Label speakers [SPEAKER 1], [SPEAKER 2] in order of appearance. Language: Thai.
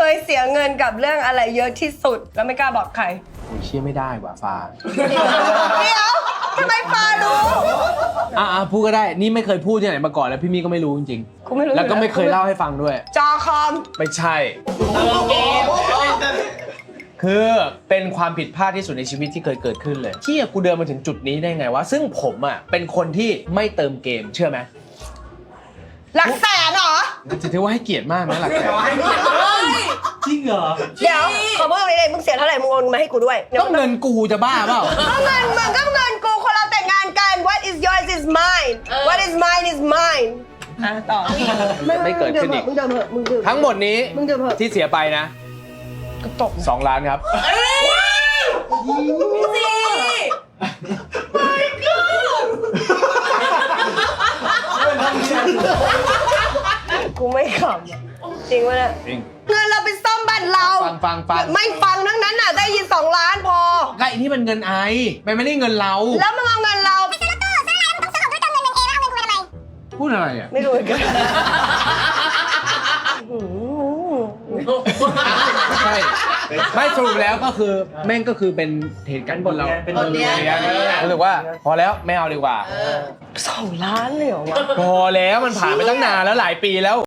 [SPEAKER 1] ยเสียเงินกับเรื่องอะไรเยอะที่สุดแล้วไม่กล้าบอกใคร
[SPEAKER 2] โอ้ยเชื่อไม่ได้ว่ะฟ้า
[SPEAKER 1] เดี๋ยวทำไมฟ้ารู้
[SPEAKER 2] พูดก็ได้นี่ไม่เคยพูดที่ไหนมาก่อนแล้วพี่มี่ก็ไม่รู้จริง
[SPEAKER 1] กูไม่รู้
[SPEAKER 2] ๆแล้วก็ไม่เคยเล่าให้ฟังด้วย
[SPEAKER 1] จอคอม
[SPEAKER 2] ไม่ใช่ คือเป็นความผิดพลาดที่สุดในชีวิตที่เคยเกิดขึ้นเลยที่กูเดินมาถึงจุดนี้ได้ไงวะซึ่งผมอ่ะเป็นคนที่ไม่เติมเกมเชื่อไหม
[SPEAKER 1] หลักแสนเหรอ
[SPEAKER 2] จะถือว่าให้เกียรติมากนะหลักแสน
[SPEAKER 3] จริงเหรอ
[SPEAKER 1] เดี๋ยวขอพูดตรงนี้เลยมึงเสียเท่าไหร่มึงโอนมาให้กูด้วย
[SPEAKER 2] ก็เงินกูจะบ้าเปล่า
[SPEAKER 1] ก็เงินมึงก็เงินกูคนเราแต่งงานกัน what is yours is mine what is mine is mine ต่อ
[SPEAKER 2] ไม่เกิดขึ้นอีก
[SPEAKER 1] มึงเดิมเหอะมึงดื่ม
[SPEAKER 2] ทั้งหมดนี้
[SPEAKER 1] มึงดื่มเหอะ
[SPEAKER 2] ที่เสียไปนะ
[SPEAKER 1] ก็ตก
[SPEAKER 2] 2 ล้านครับ
[SPEAKER 1] กูไม่ขำอะจริงวะเนี่ย
[SPEAKER 2] จริง
[SPEAKER 1] เงินเราไปซ่อมบ้านเรา
[SPEAKER 2] ฟัง
[SPEAKER 1] ไม่ฟังทั้งนั้นน่ะได้ยิน2 ล้านพอ
[SPEAKER 2] ก็ไอ้นี่มันเงินไอมันไม่ได้เงินเรา
[SPEAKER 1] แล้วมึงเอาเงินเรา
[SPEAKER 2] พูดอะไรอ่ะ
[SPEAKER 1] ไม่รู้เหมือนกัน
[SPEAKER 2] ใช่ไม่สรุปแล้วก็คือแม่งก็คือเป็นเหตุการณ์บนเรา
[SPEAKER 3] เป็นบทเรียน
[SPEAKER 2] รู้สึกว่าพอแล้วไม่เอาดีกว่า
[SPEAKER 1] 2 ล้านเลยเหรอวะ
[SPEAKER 2] พอแล้วมันผ่านไปตั้งนานแล้วหลายปีแล้ว